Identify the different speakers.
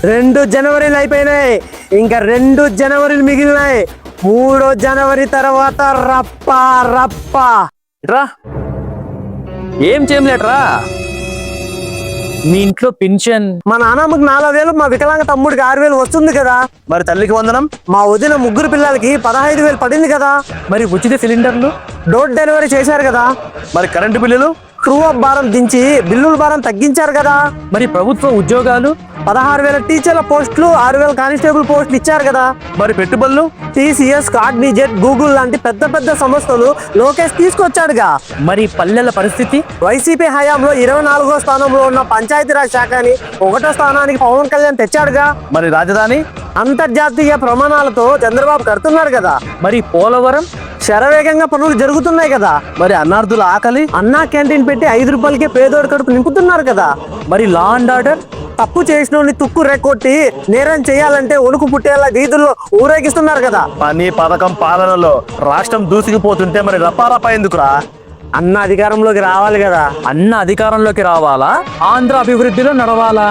Speaker 1: 2 జనవరిలు అయిపోయినాయి, ఇంకా 2 జనవరిలు మిగిలినాయి. 3వ జనవరి తర్వాత రప్ప రప్ప.
Speaker 2: రా ఏం చేయలేట్రా, మీ ఇంట్లో పింఛన్.
Speaker 1: మా నాన్నమ్మకి 4000, మా వికలాంగ తమ్ముడికి 6000 వస్తుంది కదా.
Speaker 2: మరి తల్లికి వందనం.
Speaker 1: మా వదిన 3 పిల్లలకి 15,000 పడింది కదా.
Speaker 2: మరి ఉచిత సిలిండర్లు.
Speaker 1: డోర్ డెలివరీ చేశారు కదా.
Speaker 2: మరి కరెంటు బిల్లులు.
Speaker 1: ట్రూ అప్ భారం దించి బిల్లుల భారం తగ్గించారు కదా.
Speaker 2: మరి ప్రభుత్వ ఉద్యోగాలు.
Speaker 1: 16,000 టీచర్ల పోస్టులు, 6,000 కానిస్టేబుల్ పోస్టులు ఇచ్చారు కదా.
Speaker 2: మరి పెట్టుబడులు.
Speaker 1: TCS, కాగ్నిజెట్, గూగుల్ లాంటి పెద్ద పెద్ద సంస్థలు లోకేష్ తీసుకొచ్చాడుగా.
Speaker 2: మరి పల్లెల పరిస్థితి.
Speaker 1: వైసీపీ హయాంలో 24వ స్థానంలో ఉన్న పంచాయతీరాజ్ శాఖని 1వ స్థానానికి పవన్ కళ్యాణ్ తెచ్చాడుగా.
Speaker 2: మరి రాజధాని.
Speaker 1: అంతర్జాతీయ ప్రమాణాలతో చంద్రబాబు కడుతున్నారు కదా.
Speaker 2: మరి పోలవరం.
Speaker 1: శరవేగంగా పనులు జరుగుతున్నాయి కదా.
Speaker 2: మరి అన్నార్థుల ఆకలి.
Speaker 1: అన్నా క్యాంటీన్ పెట్టి 5 రూపాయలకే పేదోడి కడుపు నింపుతున్నారు కదా.
Speaker 2: మరి లా అండ్ ఆర్డర్.
Speaker 1: తప్పు చేసిన తుక్కు రెక్కొట్టి నేరం చేయాలంటే వణుకు పుట్టేలా వీధుల్లో ఊరేగిస్తున్నారు కదా.
Speaker 2: పని పథకం పాలనలో రాష్ట్రం దూసుకుపోతుంటే మరి రపారపా ఎందుకురా?
Speaker 1: అన్న అధికారంలోకి రావాలి కదా.
Speaker 2: అన్న అధికారంలోకి రావాలా, ఆంధ్ర అభివృద్ధిలో నడవాలా?